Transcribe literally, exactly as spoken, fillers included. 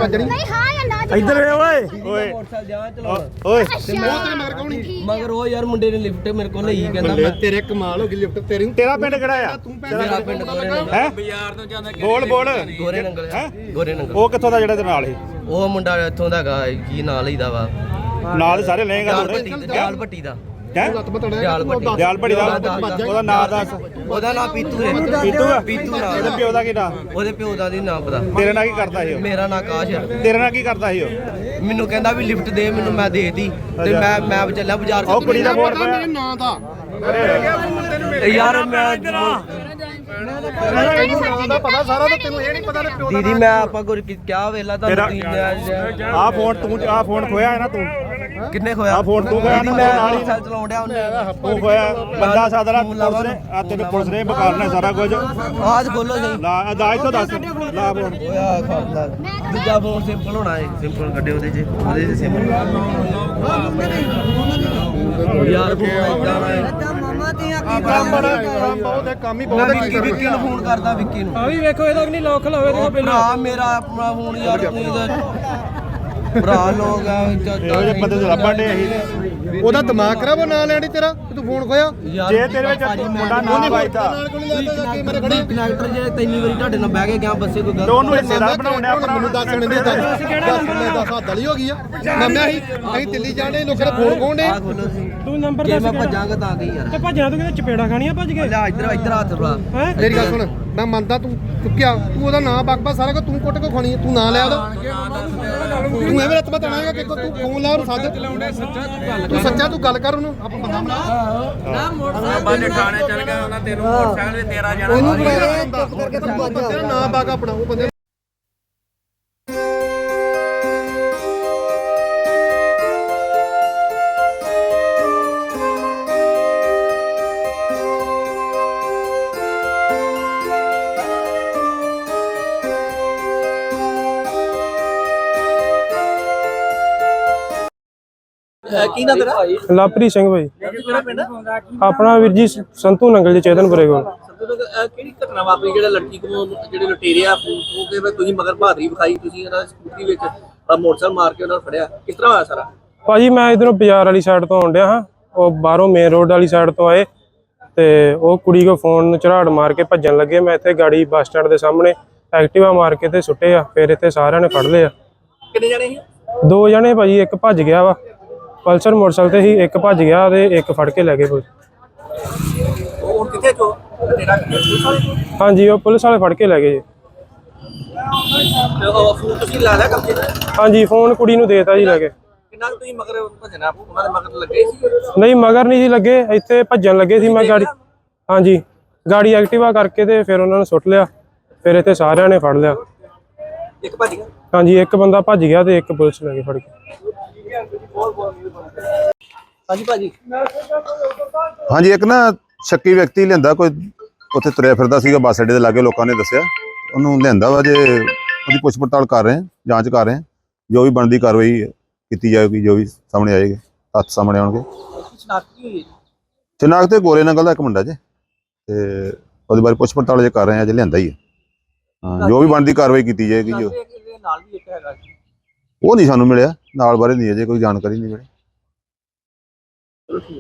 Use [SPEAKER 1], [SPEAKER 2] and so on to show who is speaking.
[SPEAKER 1] जणी
[SPEAKER 2] नहीं हां या ना
[SPEAKER 3] इधर वे ओए ओए
[SPEAKER 4] मोटरसाइकिल जा चलाउण
[SPEAKER 3] ओए
[SPEAKER 1] वो तेरे मगर कौन ही
[SPEAKER 4] मगर वो यार मुंडे ने लिफ्ट मेरे को ਲਈ ਕਹਿੰਦਾ ਮੈਂ
[SPEAKER 1] तेरे कमाल हो गई लिफ्ट तेरी
[SPEAKER 3] तेरा पिंड किहड़ा आ
[SPEAKER 4] ਮੇਰਾ ਪਿੰਡ ਗੋਰੇ ਨੰਗਲ
[SPEAKER 3] है बोल बोल
[SPEAKER 4] ਗੋਰੇ ਨੰਗਲ ਗੋਰੇ ਨੰਗਲ
[SPEAKER 3] ਉਹ ਕਿੱਥੋਂ ਦਾ ਜਿਹੜਾ ਤੇ ਨਾਲ ਸੀ
[SPEAKER 4] ਉਹ ਮੁੰਡਾ ਇੱਥੋਂ ਦਾ ਹੈਗਾ ਕੀ ਨਾਂ ਲਈਦਾ ਵਾ
[SPEAKER 3] ਨਾਲ ਸਾਰੇ ਲਏਗਾ
[SPEAKER 4] ਜਾਲ ਭੱਟੀ ਜਾਲ ਭੱਟੀ ਦਾ
[SPEAKER 3] ਹੈ
[SPEAKER 4] ਜਾਲ ਭੱਟੀ
[SPEAKER 3] ਦਿਆਲ ਭੜੀ ਦਾ ਉਹਦਾ ਨਾਂ ਦੱਸ
[SPEAKER 4] ਉਹਦਾ ਨਾਂ ਪੀਤੂ ਹੈ
[SPEAKER 3] ਪੀਤੂ ਆ
[SPEAKER 4] ਪੀਤੂ ਨਾਂ
[SPEAKER 3] ਇਹਦੇ ਪਿਓ ਦਾ ਕੀ ਨਾਂ
[SPEAKER 4] ਉਹਦੇ ਪਿਓ ਦਾ ਨਹੀਂ ਨਾਂ ਪਤਾ
[SPEAKER 3] ਤੇਰੇ ਨਾਲ ਕੀ ਕਰਦਾ ਸੀ ਉਹ
[SPEAKER 4] ਮੇਰਾ ਨਾਂ ਆਕਾਸ਼ ਹੈ
[SPEAKER 3] ਤੇਰੇ ਨਾਲ ਕੀ ਕਰਦਾ ਸੀ ਉਹ
[SPEAKER 4] ਮੈਨੂੰ ਕਹਿੰਦਾ ਵੀ ਲਿਫਟ ਦੇ ਮੈਨੂੰ ਮੈਂ ਦੇਤੀ ਤੇ ਮੈਂ ਮੈਂ ਚੱਲਿਆ ਬਾਜ਼ਾਰ
[SPEAKER 3] ਉਹ ਕੁੜੀ ਦਾ ਫੋਨ
[SPEAKER 1] ਮੇਰੇ ਨਾਂ ਦਾ
[SPEAKER 4] ਯਾਰ ਮੈਂ
[SPEAKER 1] ਨਾਂ ਦਾ ਪਤਾ ਸਾਰਾ ਤੇ ਤੈਨੂੰ ਇਹ ਨਹੀਂ ਪਤਾ ਤੇ ਪਿਓ
[SPEAKER 4] ਦੀਦੀ ਮੈਂ ਆਪਾਂ ਗੁਰ ਕਿਹਾ ਵੇਲਾ ਤੁਹਾਨੂੰ
[SPEAKER 3] ਆ ਫੋਨ ਤੂੰ ਆ ਫੋਨ ਖੋਇਆ ਹੈ ਨਾ ਤੂੰ
[SPEAKER 4] ਕਿੰਨੇ ਖੋਇਆ
[SPEAKER 3] ਆ ਫੋਨ ਤੂੰ ਖੋਇਆ
[SPEAKER 4] ਦੀਦੀ
[SPEAKER 3] ਨਾ
[SPEAKER 4] ਮੈਂ
[SPEAKER 3] ਨਾਲ ਹੀ
[SPEAKER 4] ਸਾਲ ਚਲਾਉਣ ਡਿਆ ਉਹਨੇ
[SPEAKER 3] ਤੂੰ ਖੋਇਆ ਬੰਦਾ ਸਾਦਰਾ ਪੁਲਿਸ ਨੇ ਆ ਤੈਨੂੰ ਪੁਲਿਸ ਨੇ ਬਕਾਰਨਾ ਸਾਰਾ ਕੁਝ
[SPEAKER 4] ਆਜ ਖੋਲੋ ਸਹੀ
[SPEAKER 3] ਲਾ ਅਦਾਇਤ ਤੋਂ ਦੱਸ ਲਾ ਫੋਨ
[SPEAKER 4] ਓਇਆ ਖਾਦਾ ਦੂਜਾ ਫੋਨ ਸਿੰਪਲ ਹੋਣਾ ਹੈ ਸਿੰਪਲ ਕੱਢੇ ਉਹਦੇ ਚ ਉਹਦੇ ਚ ਸਿੰਪਲ ਯਾਰ ਫੋਨ ਜਾਣਾ ਹੈ
[SPEAKER 2] ਮਾਮਾ ਤੇ ਆ
[SPEAKER 1] ਕੰਮ ਬੜਾ ਕੰਮ ਬਹੁਤ ਹੈ ਕੰਮ ਹੀ ਬਹੁਤ
[SPEAKER 4] ਮੈਂ
[SPEAKER 1] ਹੈ
[SPEAKER 4] ਵਿੱਕੀ ਵਿੱਕੀ ਨੂੰ ਫੋਨ ਕਰਦਾ ਵਿੱਕੀ ਨੂੰ
[SPEAKER 5] ਆ ਵੀ ਵੇਖੋ ਇਹਦਾ ਵੀ ਨਹੀਂ ਲੋਕ ਲਾਵੇ ਤੇ ਪਹਿਲਾਂ
[SPEAKER 4] ਭਰਾ ਮੇਰਾ ਆਪਣਾ ਫੋਨ ਯਾਰ ਤੁਸੀਂ ਭਰਾ ਲੋਕ ਆ
[SPEAKER 3] ਇਹੋ ਜਿਹੇ ਬੰਦੇ ਤੋਂ ਲੱਭਣ ਡੇ ਅਸੀਂ
[SPEAKER 1] ਉਹਦਾ ਦਿਮਾਗ ਖਰਾਬ ਉਹ ਨਾਂ ਲੈਣੀ ਤੇਰਾ ਤੂੰ ਫੋਨ ਖੋਇਆ
[SPEAKER 3] ਜੇ ਤੇਰੇ ਵਿੱਚ ਮੁੰਡਾ ਨਾ ਵੱਜਦਾ
[SPEAKER 1] ਨਾਲ ਕੋਲ ਨਹੀਂ ਲੱਗਦਾ ਕਿ ਮੇਰੇ ਖੜੀ
[SPEAKER 4] ਕਨੈਕਟਰ ਜੇ ਤਿੰਨੀ ਵਾਰੀ ਤੁਹਾਡੇ ਨਾਲ ਬਹਿ ਕੇ ਗਿਆ ਬੱਸੇ ਕੋਈ
[SPEAKER 3] ਤੇ
[SPEAKER 4] ਗੱਲ
[SPEAKER 3] ਉਹਨੂੰ ਹਿੱਸੇਦਾਰ ਬਣਾਉਣਾ ਭਰਾ
[SPEAKER 1] ਮੈਨੂੰ ਦੱਸ ਮੈਨੂੰ ਦੱਸ ਦੱਸ ਮੈਂ ਦੱਸ ਹੱਦ ਵਾਲੀ ਹੋ ਗਈ ਆ ਮੰਮਿਆ ਅਸੀਂ ਅਸੀਂ ਦਿੱਲੀ ਜਾਣੇ ਲੋਕਾਂ ਦੇ ਫੋਨ ਖੋਣੇ
[SPEAKER 4] ਆ ਖੋਲੋ ਸੀ
[SPEAKER 5] ਤੂੰ ਨੰਬਰ
[SPEAKER 4] ਜੇ
[SPEAKER 5] ਦੱਸ
[SPEAKER 4] ਮੈਂ
[SPEAKER 5] ਕਿਹੜਾ?
[SPEAKER 4] ਭੱਜਾਂਗਾ ਤਾਂ ਕੀ ਯਾਰ
[SPEAKER 5] ਤੇ ਭੱਜਣਾ ਤੂੰ ਕਿਤੇ ਚਪੇੜਾ ਖਾਣੀਆਂ ਭੱਜ ਕੇ
[SPEAKER 4] ਲੈ ਇੱਧਰ ਇੱਧਰ ਹੱਥ ਬੜਾ
[SPEAKER 5] ਹੈ
[SPEAKER 1] ਮੇਰੀ ਗੱਲ ਸੁਣ ਮੈਂ ਮੰਨਦਾ ਤੂੰ ਚੁੱਕਿਆ ਤੂੰ ਉਹਦਾ ਨਾਂ ਬਕਬਾ ਸਾਰਾ ਕੁਝ ਤੂੰ ਕੁੱਟ ਕੇ ਖਾਣੀ ਤੂੰ ਨਾਂ ਲਿਆ ਉਹਦਾ ਤੂੰ ਐਵੇਂ ਰੱਤ ਬਤਾਣਾਗਾ ਕਿ ਤੂੰ ਫੋਨ ਲਾ ਉਹਨੂੰ ਸੱਜ ਤੂੰ ਸੱਚਾ ਤੂੰ ਗੱਲ ਕਰ ਉਹਨੂੰ ਆਪਾਂ ਬੰਦਾ ਬਣਾ
[SPEAKER 4] ਬਾਲੇ ਥਾਣੇ ਚੱਲ ਗਿਆ ਉਹਨਾਂ ਤੈਨੂੰ ਮੋਟਰਸਾਈਕਲ ਤੇ ਤੇਰਾ ਜਾਣਾ
[SPEAKER 1] ਉਹਨੂੰ ਚੁੱਪ ਕਰਕੇ ਤੂੰ ਤੇਰਾ ਨਾਂ ਬਾਗਾ ਆਪਣਾ ਉਹ ਬੰਦੇ
[SPEAKER 4] ਕੀ ਨਾ ਤੇਰਾ
[SPEAKER 5] ਲਵਪ੍ਰੀਤ ਸਿੰਘ ਭਾਈ
[SPEAKER 4] ਕਿਹੜਾ ਪਿੰਡ
[SPEAKER 5] ਆਪਣਾ ਵੀਰ ਜੀ ਸੰਤੂ ਨੰਗਲ ਦੇ ਚੇਤਨਪੁਰੇ ਕੋਲ
[SPEAKER 4] ਕਿਹੜੀ ਘਟਨਾ ਵਾਪਰੀ ਜਿਹੜਾ ਲੜਕੀ ਕੋਲ ਜਿਹੜੇ ਲੁਟੇਰੇ ਆ ਉਹ ਕਿ ਤੁਸੀਂ ਮਗਰ ਬਹਾਦਰੀ ਵਿਖਾਈ ਤੁਸੀਂ ਇਹਨਾਂ ਸਕੂਟਰੀ ਵਿੱਚ ਮੋਟਰਸਾਈਕਲ ਮਾਰ ਕੇ ਉਹਨਾਂ ਨੂੰ ਫੜਿਆ ਕਿਸ ਤਰ੍ਹਾਂ ਹੋਇਆ ਸਾਰਾ
[SPEAKER 5] ਭਾਜੀ ਮੈਂ ਇਧਰੋਂ ਬਾਜ਼ਾਰ ਵਾਲੀ ਸਾਈਡ ਤੋਂ ਆਉਣ ਡਿਆ ਹਾਂ ਉਹ ਬਾਹਰੋਂ ਮੇਨ ਰੋਡ ਵਾਲੀ ਸਾਈਡ ਤੋਂ ਆਏ ਤੇ ਉਹ ਕੁੜੀ ਕੋ ਫੋਨ ਝਰਾੜ ਮਾਰ ਕੇ ਭੱਜਣ ਲੱਗੇ ਮੈਂ ਇੱਥੇ ਗਾੜੀ ਬੱਸ ਸਟੈਂਡ ਦੇ ਸਾਹਮਣੇ ਐਕਟਿਵਾ ਮਾਰ ਕੇ ਤੇ ਸੁੱਟੇ ਆ ਫਿਰ ਇੱਥੇ ਸਾਰਿਆਂ ਨੇ ਫੜ ਲਏ ਆ
[SPEAKER 4] ਕਿੰਨੇ ਜਣੇ ਸੀ
[SPEAKER 5] ਦੋ ਜਣੇ ਭਾਜੀ ਇੱਕ ਭੱਜ ਗਿਆ ਵਾ ਪਲਸਰ ਮੋਟਰਸਾਈਕਲ ਤੇ ਹੀ ਇੱਕ ਭੱਜ ਗਿਆ ਤੇ ਇੱਕ ਫੜ ਕੇ ਲੈ ਗਏ ਪੁਲਿਸ
[SPEAKER 4] ਉਹ ਹੁਣ ਕਿੱਥੇ ਚੋ ਤੇਰਾ ਪੁਲਿਸ ਵਾਲੇ ਕੋਲ?
[SPEAKER 5] ਹਾਂਜੀ ਉਹ ਪੁਲਿਸ ਵਾਲੇ ਫੜ ਕੇ ਲੈ ਗਏ ਜੀ
[SPEAKER 4] ਤੇ ਉਹ ਫੋਨ ਤੁਸੀਂ ਲਾ ਲਿਆ ਕਬਜ਼ੇ ਤੇ?
[SPEAKER 5] ਹਾਂਜੀ ਫੋਨ ਕੁੜੀ ਨੂੰ ਦੇਤਾ ਜੀ ਲੈ ਕੇ
[SPEAKER 4] ਕਿੰਨਾ ਕੁ ਤੁਸੀਂ ਮਗਰ ਭਜਣਾ ਉਹਨਾਂ ਦੇ ਮਗਰ ਲੱਗੇ ਸੀ
[SPEAKER 5] ਨਹੀਂ ਮਗਰ ਨਹੀਂ ਜੀ ਲੱਗੇ ਇੱਥੇ ਭੱਜਣ ਲੱਗੇ ਸੀ ਮੈਂ ਗਾੜੀ ਹਾਂਜੀ ਗਾੜੀ ਐਕਟਿਵਾ ਕਰਕੇ ਤੇ ਫਿਰ ਉਹਨਾਂ ਨੂੰ ਸੁੱਟ ਲਿਆ ਫਿਰ ਇੱਥੇ ਸਾਰਿਆਂ ਨੇ ਫੜ ਲਿਆ
[SPEAKER 4] ਇੱਕ ਭੱਜ ਗਿਆ
[SPEAKER 5] ਹਾਂਜੀ ਇੱਕ ਬੰਦਾ ਭੱਜ ਗਿਆ ਤੇ ਇੱਕ ਪੁਲਿਸ ਲੈ ਕੇ ਫੜ ਗਈ
[SPEAKER 4] ਹਾਂਜੀ ਭਾਜੀ
[SPEAKER 6] ਹਾਂਜੀ ਇੱਕ ਨਾ ਸ਼ੱਕੀ ਵਿਅਕਤੀ ਲਿਆਂਦਾ ਕੋਈ ਉੱਥੇ ਤੁਰਿਆ ਫਿਰਦਾ ਸੀਗਾ ਬੱਸ ਅੱਡੇ ਦੇ ਲਾਗੇ ਲੋਕਾਂ ਨੇ ਦੱਸਿਆ ਉਹਨੂੰ ਲਿਆਂਦਾ ਵਾ ਜੇ ਉਹਦੀ ਪੁੱਛ ਪੜਤਾਲ ਕਰ ਰਹੇ ਹਾਂ ਜਾਂਚ ਕਰ ਰਹੇ ਹਾਂ ਜੋ ਵੀ ਬਣਦੀ ਕਾਰਵਾਈ ਕੀਤੀ ਜਾਏਗੀ ਜੋ ਵੀ ਸਾਹਮਣੇ ਆਏਗੀ ਹੱਥ ਸਾਹਮਣੇ ਆਉਣਗੇ
[SPEAKER 4] ਸ਼ਨਾਖਤ ਹੋਈ
[SPEAKER 6] ਚਨਾਕ ਤੇ ਗੋਰੇ ਨੰਗਲ ਦਾ ਇੱਕ ਮੁੰਡਾ ਜੇ ਤੇ ਉਹਦੇ ਬਾਰੇ ਪੁੱਛ ਪੜਤਾਲ ਜੇ ਕਰ ਰਹੇ ਹਾਂ ਜੇ ਲਿਆਂਦਾ ਹੀ ਹੈ ਹਾਂ ਜੋ ਵੀ ਬਣਦੀ ਕਾਰਵਾਈ ਕੀਤੀ ਜਾਏਗੀ ਜੋ
[SPEAKER 4] ਨਾਲ ਵੀ ਇੱਕ ਹੈਗਾ
[SPEAKER 6] ਉਹ ਨਹੀਂ ਸਾਨੂੰ ਮਿਲਿਆ ਨਾਲ ਬਾਰੇ ਨਹੀਂ ਅਜੇ ਕੋਈ ਜਾਣਕਾਰੀ ਨਹੀਂ ਮਿਲੀ
[SPEAKER 4] ਚਲੋ ਠੀਕ